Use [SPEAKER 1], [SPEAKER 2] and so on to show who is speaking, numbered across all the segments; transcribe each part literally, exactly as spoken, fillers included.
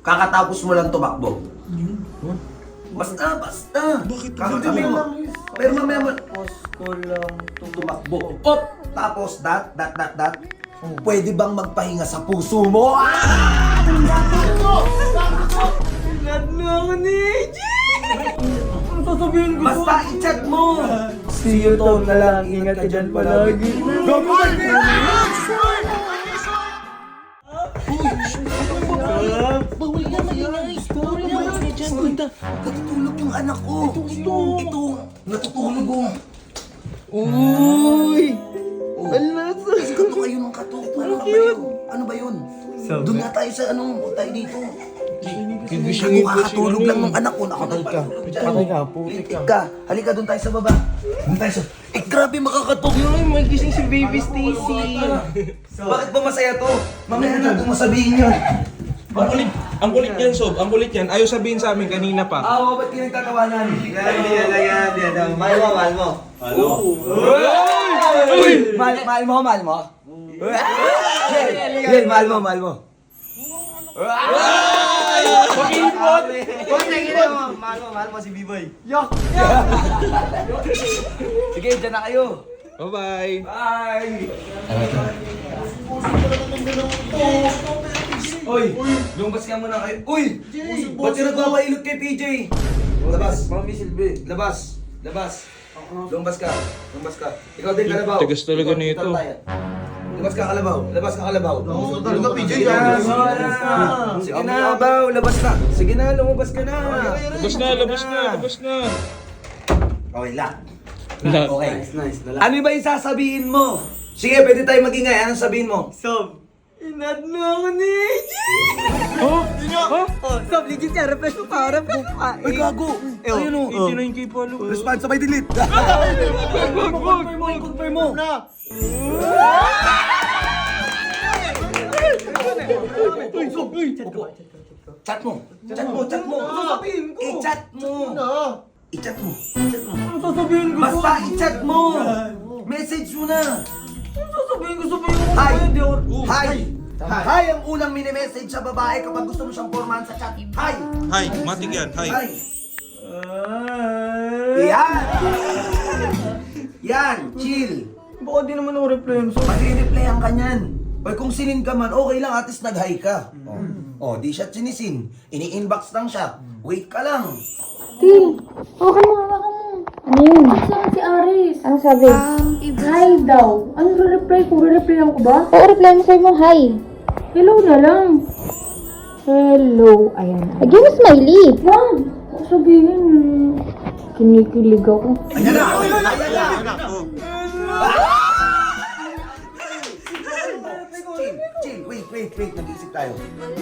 [SPEAKER 1] kakatapos mo lang tumakbo. Huh? Basta, basta.
[SPEAKER 2] Bakit?
[SPEAKER 1] Kakatabi mo. Pero mamaya mo,
[SPEAKER 3] Tapos ko lang
[SPEAKER 1] tumakbo. Op! Tapos, dat, dat, dat, dat. Pwede bang magpahinga sa puso mo? Ah!
[SPEAKER 3] Inad na ako ni A J! Ano sasabihin ko?
[SPEAKER 1] Basta i-chat mo.
[SPEAKER 3] See you Tom na lang, ingat ka dyan palagi.
[SPEAKER 1] Gagawin!
[SPEAKER 2] Bawal na maingay! Bawal na maingay dyan! Ganda!
[SPEAKER 1] Natutulog yung anak ko. Ito, ito. Natutulog ko.
[SPEAKER 3] Uy!
[SPEAKER 1] Oh.
[SPEAKER 3] Alas!
[SPEAKER 1] Kato kayo ng kato. Ano ba yun? Ano ba yun?
[SPEAKER 3] Sabi.
[SPEAKER 1] Doon nga tayo sa ano, huwag tayo dito.
[SPEAKER 2] Gigisingin
[SPEAKER 1] Ako
[SPEAKER 2] ko si
[SPEAKER 1] kakatulog
[SPEAKER 2] ano
[SPEAKER 1] lang
[SPEAKER 2] eh.
[SPEAKER 1] ng anak ko. Patay
[SPEAKER 3] ka. Patay ka, putik ka.
[SPEAKER 1] ka. Halika, doon tayo sa baba. Doon tayo sa... Eh, grabe makakatok yun.
[SPEAKER 3] Ay, may gising si Baby Stacy.
[SPEAKER 1] Bakit ba masaya to? Mamaya na natin masabihin yun.
[SPEAKER 2] Ang kulit, ang kulit yan, Sob. Ang kulit yan. Ayaw sabihin sa amin kanina pa.
[SPEAKER 1] Ah, oh, ba't kinagtatawanan?
[SPEAKER 4] Hindi na yan, hindi na. Mahal mo, mahal mo.
[SPEAKER 1] Uy! Mahal, mahal mo, mahal mo? Yan, mahal mo, mahal mo.
[SPEAKER 4] Pakipot! Huwag na gina mo. Mahal mo, mahal mo si B-Boy.
[SPEAKER 1] Sige, dyan na kayo.
[SPEAKER 2] Bye-bye!
[SPEAKER 1] Bye! Uy! Lumabas ka muna kayo. Uy! Ba't yung nagpapailot kay P J? Labas.
[SPEAKER 3] Mami Silvi.
[SPEAKER 1] Labas. Labas. Lumabas ka. Lumabas ka. Ikaw din, Kalabaw.
[SPEAKER 2] Tigas talaga
[SPEAKER 1] Ikaw,
[SPEAKER 2] nito.
[SPEAKER 1] ikaw tayo. Labas ka, Kalabaw. Labas ka, Kalabaw.
[SPEAKER 4] Talaga, P J.
[SPEAKER 1] Sige na, Baw. Labas na. Sige na, lumabas ka na.
[SPEAKER 2] Labas na, labas na, labas na!
[SPEAKER 1] Okay, lock.
[SPEAKER 2] Lahat.
[SPEAKER 1] Okay.
[SPEAKER 3] Nice, nice. Dala.
[SPEAKER 1] Ano ba yung sasabihin mo? Sige, pwede tayo magingay. Anong sabihin mo?
[SPEAKER 3] Sob, inad na ako ni A J!
[SPEAKER 2] Oh? Oh?
[SPEAKER 3] Oh, Sob, legit yan. Refresh mo para buka.
[SPEAKER 1] Ay, gago. Ayun o.
[SPEAKER 2] eighty-nine K followers.
[SPEAKER 1] Response, sabay delete.
[SPEAKER 3] Confirm mo, confirm mo.
[SPEAKER 1] Chat mo. Chat mo, chat mo.
[SPEAKER 3] Ano sasabihin ko?
[SPEAKER 1] I-chat mo. I-chat mo. I-chat mo.
[SPEAKER 3] Ano sasabihin ko?
[SPEAKER 1] Basta i-chat mo. Message mo na.
[SPEAKER 3] Ano sasabihin ko? Sabihin ko
[SPEAKER 1] Hi.
[SPEAKER 3] kung hindi ako...
[SPEAKER 1] Hi. Hi ang unang mini-message sa babae kapag gusto mo siyang formahan sa chat. Hi.
[SPEAKER 2] Hi, matik yan. Hi.
[SPEAKER 1] Hi.
[SPEAKER 3] Ay.
[SPEAKER 1] Yan. Yan. Chill.
[SPEAKER 3] Baka di naman ako reply yun, Sob.
[SPEAKER 1] Mag-replyan ka niyan. O kung sinin ka man, okay lang, at least nag-hi ka. Oh. oh, di siya sinisin. Ini-inbox lang siya. Wait ka lang.
[SPEAKER 5] Tin, hawakan mo, hawakan mo. Ano yun? Saan si Aris? Ano sabi? Hi daw. Ano re-reply ko? Re-replyan ko ba? Oo, reply mo sa'yo mo, hi. Hello na lang. Hello. Ayan. Lagyan mo smiley. Wag. Ako sabihin, kinikilig ako.
[SPEAKER 1] Ayan na! Ayan na! Chill, chill. Wait, wait, wait. Nag-iisip tayo.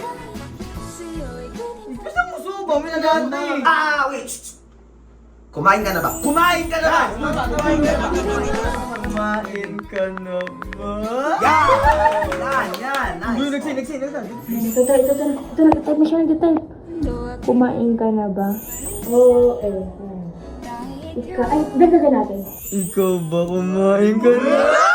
[SPEAKER 3] Basta mo, Sob. May nag-aantay eh.
[SPEAKER 1] Ah, wait! Shh, shh. Kumain ka na ba? Kumain ka na ba? Kumain ka na ba?
[SPEAKER 3] Kumain ka na ba?
[SPEAKER 1] Yan! Yan, yan.
[SPEAKER 3] Uy,
[SPEAKER 1] Nice.
[SPEAKER 3] nagsin, nagsin, nagsin.
[SPEAKER 5] Ito, ito, ito, ito, ito, nag-type mo siya, nag-type. Kumain ka na ba? Oo, eh. Ika, ay, dagdagan natin.
[SPEAKER 3] Ikaw ba kumain ka na?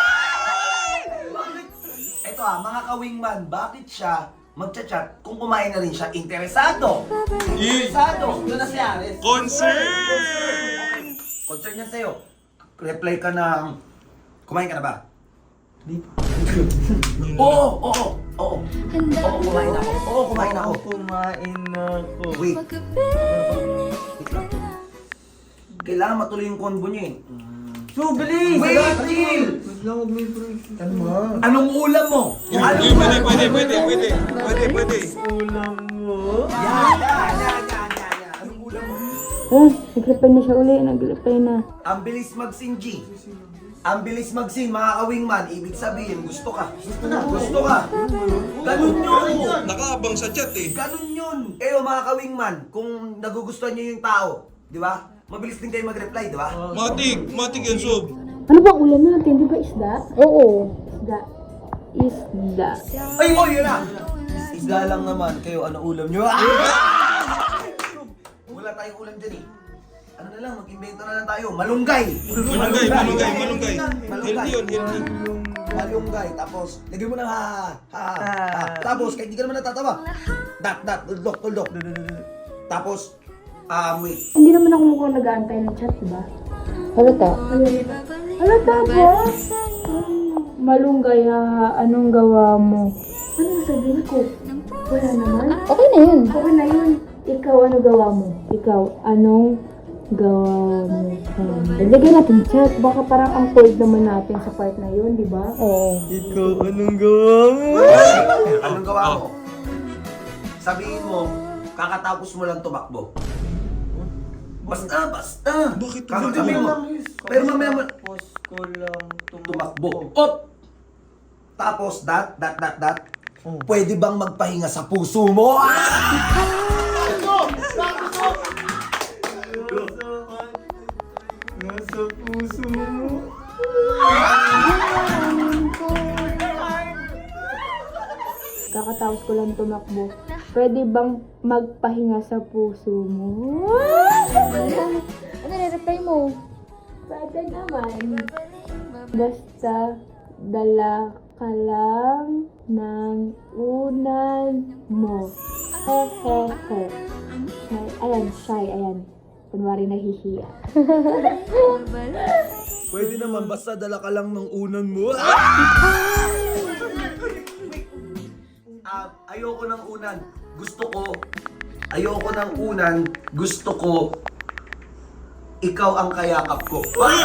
[SPEAKER 1] Ito ah, mga ka-wingman, bakit siya magchat-chat kung kumain na rin siya? Interesado! Interesado! Doon na si Ares.
[SPEAKER 2] Concern!
[SPEAKER 1] Concern niya sa'yo. Reply ka ng, kumain ka na ba?
[SPEAKER 3] Di pa.
[SPEAKER 1] Oo, oo, oo. Oo, kumain ako. Oo, kumain ako.
[SPEAKER 3] Kumain na ako.
[SPEAKER 1] Wait. Wait lang. Kailangan matuloy yung convo niya eh.
[SPEAKER 3] So, bilis!
[SPEAKER 1] Wait, chill!
[SPEAKER 3] Wait lang, huwag may break. Ano ba?
[SPEAKER 1] Anong ulam mo? Kung
[SPEAKER 2] Pwede,
[SPEAKER 1] anong
[SPEAKER 2] pwede, pwede, pwede, pwede, pwede, pwede.
[SPEAKER 3] Ulam mo?
[SPEAKER 1] Yan, yan, yan, yan, yan, yan. Anong ulam mo?
[SPEAKER 5] Oh, nag-reply na siya uli, nag-reply na.
[SPEAKER 1] Ang bilis mag-sing, G. Ang bilis mag-sing, mga ka-wingman. Ibig sabihin, gusto ka. Gusto na. Gusto ka. Ganun yun.
[SPEAKER 2] Nakaabang sa chat eh.
[SPEAKER 1] Ganun yun. Kayo, mga ka-wingman, kung nagugustuhan niyo yung tao, di ba? Mabilis din kayo mag-reply, di ba?
[SPEAKER 2] Matik, matik yan, Sob.
[SPEAKER 5] Ano bang ulam natin? Di ba isda? Oo. Isda. Isda.
[SPEAKER 1] Ay, oh, yun na! Isda lang naman. Kayo, ano ulam nyo? Ah! Wala tayong ulam dyan eh. Ano na lang, mag-invento na lang tayo. Malunggay!
[SPEAKER 2] Malunggay, malunggay, malunggay.
[SPEAKER 1] Malunggay.
[SPEAKER 2] Healthy yun, healthy.
[SPEAKER 3] Malunggay.
[SPEAKER 1] malunggay, tapos lagyan mo ng ha, ha, ha, ha. Tapos, kahit hindi ka naman natatawa, dat, dat, tuldok, tuldok. Tapos, ah, wait.
[SPEAKER 5] Hindi naman ako mukhang nag-aantay ng chat, diba? Halata. Halata ba? Malunggay, ha, anong gawa mo? Ano sabihin ko? Wala naman. Okay na yun. Okay na yun. Ikaw, ano gawa mo? Ikaw, anong gawa mo? Um, Dagdagan natin chat. Baka parang ang cold naman natin sa part na yun, di ba? Oo.
[SPEAKER 3] Ikaw, anong gawa mo?
[SPEAKER 1] Anong gawa mo? Sabihin mo, kakatapos mo lang tumakbo. Basta, basta.
[SPEAKER 2] Bakit
[SPEAKER 1] Kakatabi mo. Pero mamaya mo,
[SPEAKER 3] Post ko lang
[SPEAKER 1] tumakbo. Op! Tapos, dat, dat, dat, dat. Pwede bang magpahinga sa puso mo? Ah!
[SPEAKER 3] Nasa puso mo.
[SPEAKER 5] Kakatapos ko lang tumakbo. Pwede bang magpahinga sa puso mo? Ano na-reply mo? Pwede naman. Basta dala ka lang ng unan mo. Hehehe. Shy. Ayan, shy. Ayan. Kunwari nahihiya.
[SPEAKER 1] Pwede naman, basta dala ka lang ng unan mo. Ah, ayoko ng unan. Gusto ko, ayoko ng unan. Gusto ko, ikaw ang kayakap ko.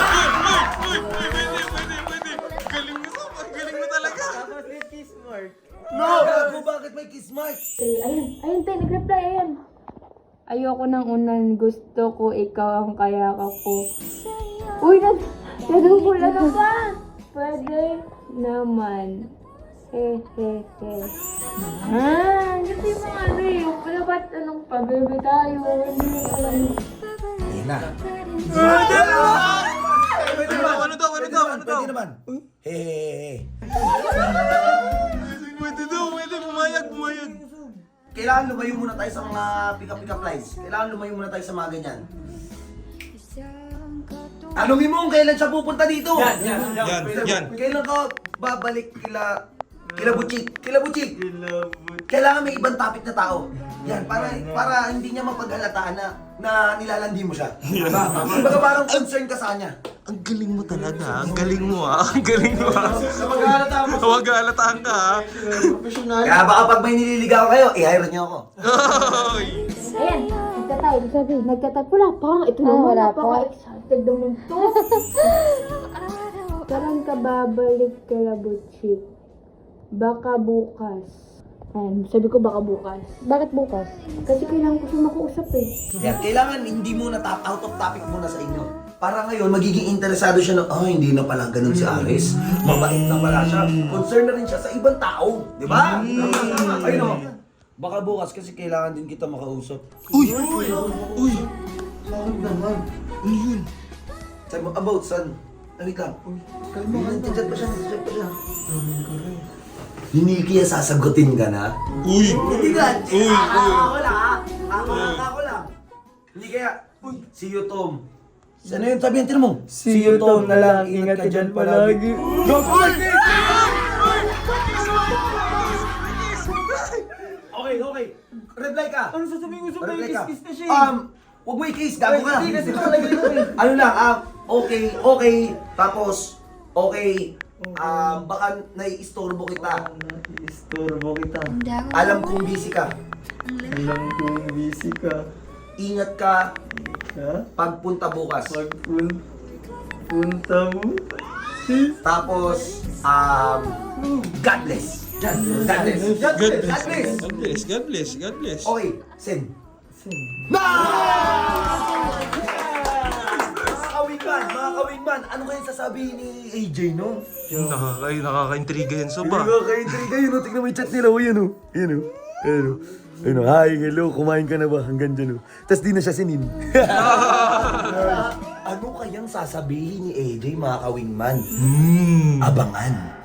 [SPEAKER 3] Tapos may kiss mark.
[SPEAKER 1] No! Gago, bakit may kiss mark?
[SPEAKER 5] Eh, Ayun, ayun, te, nag-reply, ayan. Ayoko ng unan, gusto ko ikaw ang kayakap ko. Uy, nag nadubol na ka! Pwede naman. Hehehe. Ah, kasi yung mga ano eh, yung pala ba't anong pabebe tayo? Hindi mo alam.
[SPEAKER 1] Hindi na.
[SPEAKER 2] Ano daw, ano daw, ano daw, ano daw?
[SPEAKER 1] Pwede naman. Hehehe.
[SPEAKER 2] Pwede daw, pwede, pumayag, pumayag.
[SPEAKER 1] Kailangan lumayo muna tayo sa mga pick-up-pick-up lines. Kailangan lumayo muna tayo sa mga ganyan. Tanungin mo kung kailan siya pupunta dito.
[SPEAKER 3] Yan, yan, yan.
[SPEAKER 2] Yan, yan.
[SPEAKER 1] Kailan ka babalik kila kila Butchik? Kila Butchik.
[SPEAKER 3] Kilabot.
[SPEAKER 1] Kailangan may ibang topic na tao. Yan, para para hindi niya mapaghalataan na na nilalandi mo siya. Diba? Kumbaga parang concern ka sa kanya.
[SPEAKER 2] Ang galing mo talaga, ang galing mo ah, ang galing mo ah.
[SPEAKER 3] Mag-aalata mo.
[SPEAKER 2] Huwag alataan ka ah.
[SPEAKER 3] Professional.
[SPEAKER 1] Kaya baka pag may nililigaw kayo, i-hire niyo ako.
[SPEAKER 2] Oy!
[SPEAKER 5] Ayan, nagtatay. Sabi, nagtatay. Wala pa. Ito naman, napaka-excited naman to. Karan ka babalik kala Butchik. Baka bukas. Ayan, sabi ko baka bukas. Bakit bukas? Kasi kailangan ko siya makuusap eh.
[SPEAKER 1] Yan, kailangan hindi muna top, out of topic muna sa inyo. Para ngayon, magiging interesado siya na, ah, hindi na pala ganun si Aris. Mabait na pala siya. Concern na rin siya sa ibang tao. Di ba? Ayun o. Baka bukas kasi kailangan din kita makausap.
[SPEAKER 2] Uy! Uy!
[SPEAKER 3] Bakit naman?
[SPEAKER 2] Ano yun?
[SPEAKER 1] Sabi mo, about son. Wait lang. Kalma ka. Nandiyan pa siya, nandiyan pa siya. Hindi kaya sasagutin ka na?
[SPEAKER 2] Uy!
[SPEAKER 1] Hindi ka.
[SPEAKER 2] Uy, uy.
[SPEAKER 1] Ako lang ha. Ako lang, ako lang. Hindi kaya. Uy, see you Tom. Ano yun? Sabihin, tinan mo.
[SPEAKER 3] See you, Tom, na lang. Ingat ka dyan palagi.
[SPEAKER 1] Okay, okay. Reply ka.
[SPEAKER 3] Ano sasabihin ko sa
[SPEAKER 1] Reply
[SPEAKER 3] may
[SPEAKER 1] ka.
[SPEAKER 3] kiss-kiss na siya?
[SPEAKER 1] Um, huwag mo i-kiss. Gago ka.
[SPEAKER 3] Hindi kasi talaga yun eh.
[SPEAKER 1] Ano lang, um, okay, okay. Tapos, okay. Um, baka nai-istorbo kita.
[SPEAKER 3] Istorbo kita.
[SPEAKER 1] Alam kong busy ka.
[SPEAKER 3] Alam kong busy ka.
[SPEAKER 1] Ingat ka
[SPEAKER 3] Ha?
[SPEAKER 1] pagpunta bukas.
[SPEAKER 3] Pagpun... Punta mo.
[SPEAKER 1] Tapos, um, God bless. God bless. God bless. God bless. God bless.
[SPEAKER 2] God bless, God bless, God bless.
[SPEAKER 1] Okay, send.
[SPEAKER 3] Send.
[SPEAKER 1] Mga kawingman, mga kawingman, ano kayong sasabihin ni A J, no?
[SPEAKER 2] Nakaka nakaka-intriga yan so ba?
[SPEAKER 1] Nakaka-intriga yun, no? Tignan mo yung chat nila, o yun, o. Yun, o. Ayun, o. Ayun, o. Hi, hello, kumain ka na ba? Hanggang dyan, o. Tapos di na siya sinin. Ano kayang sasabihin ni A J, mga kawingman?
[SPEAKER 2] Hmm.
[SPEAKER 1] Abangan.